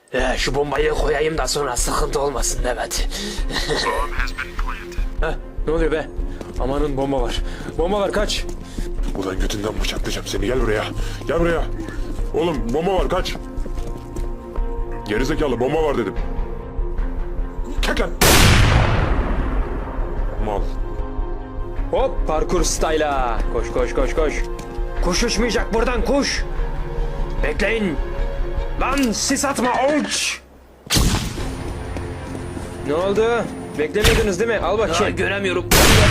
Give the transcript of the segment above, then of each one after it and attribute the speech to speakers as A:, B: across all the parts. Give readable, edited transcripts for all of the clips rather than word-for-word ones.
A: Şu bombayı koyayım da sonra sıkıntı olmasın evet. Ne oluyor be? Amanın bomba var. Bomba var kaç.
B: Ulan götünden bıçaklayacağım seni, gel buraya. Gel buraya. Oğlum bomba var, kaç. Gerizekalı, bomba var dedim. Kalk lan. Mal.
A: Hop parkur style'a. Koş koş koş koş. Kuş uçmayacak buradan kuş. Bekleyin. Lan sis atma uç. Ne oldu? Beklemiyordunuz değil mi? Al bakayım. Göremiyorum.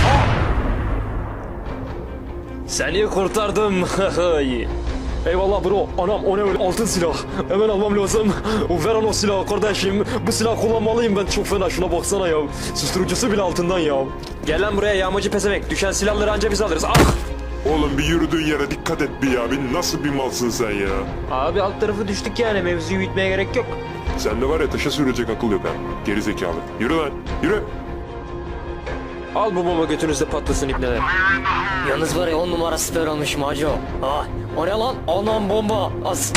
A: Seni kurtardım. Eyvallah bro. Anam o ne öyle altın silah. Hemen almam lazım. Ver o silahı kardeşim. Bu silah kullanmalıyım ben, çok fena, şuna baksana ya. Susturucusu bile altından ya. Gel lan buraya yağmacı pezevenk. Düşen silahları anca biz alırız. Ah!
B: Oğlum bir yürüdüğün yere dikkat et bir ya. Bir nasıl bir malsın sen ya.
A: Abi alt tarafı düştük yani, mevzuyu büyütmeye gerek yok.
B: Sende var ya, taşa sürecek akıl yok ha. Gerizekalı. Yürü lan, yürü.
A: Al bu bomba götünüzde patlasın ibneler.
C: Yalnız var ya 10 numara süper olmuş Maco. Ah, o ne lan? Anam bomba. As.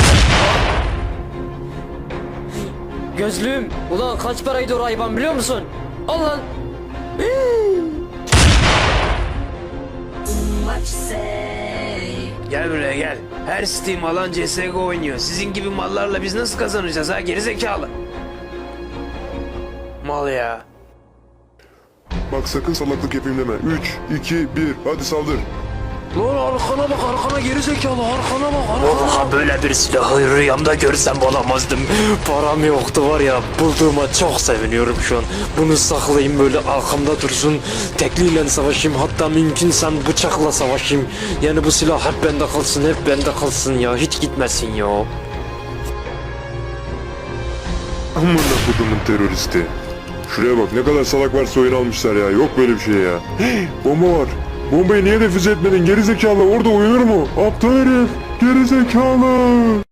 C: Gözlüğüm. Ulan kaç paraydı o hayvan biliyor musun? Al lan.
A: Gel buraya gel. Her Steam alan CSGO oynuyor. Sizin gibi mallarla biz nasıl kazanacağız ha, gerizekalı? Mal ya.
B: Bak sakın salaklık yapayım deme. 3, 2, 1, hadi saldır.
A: Lan arkana bak, arkana gerizekalı, arkana bak, arkana.
C: Vallahi böyle bir silahı rüyamda görsem olamazdım.
A: Param yoktu var ya, bulduğuma çok seviniyorum şu an. Bunu saklayayım böyle arkamda dursun. Tekliyle savaşayım, hatta mümkünse bıçakla savaşayım. Yani bu silah hep bende kalsın, hep bende kalsın ya, hiç gitmesin ya.
B: Amına kodumun teröristi. Şuraya bak, ne kadar salak varsa oyun almışlar ya. Yok böyle bir şey ya. Hey, bomba var. Bombayı niye defüze etmedin gerizekalı? Orada uyunur mu? Aptal herif. Gerizekalı.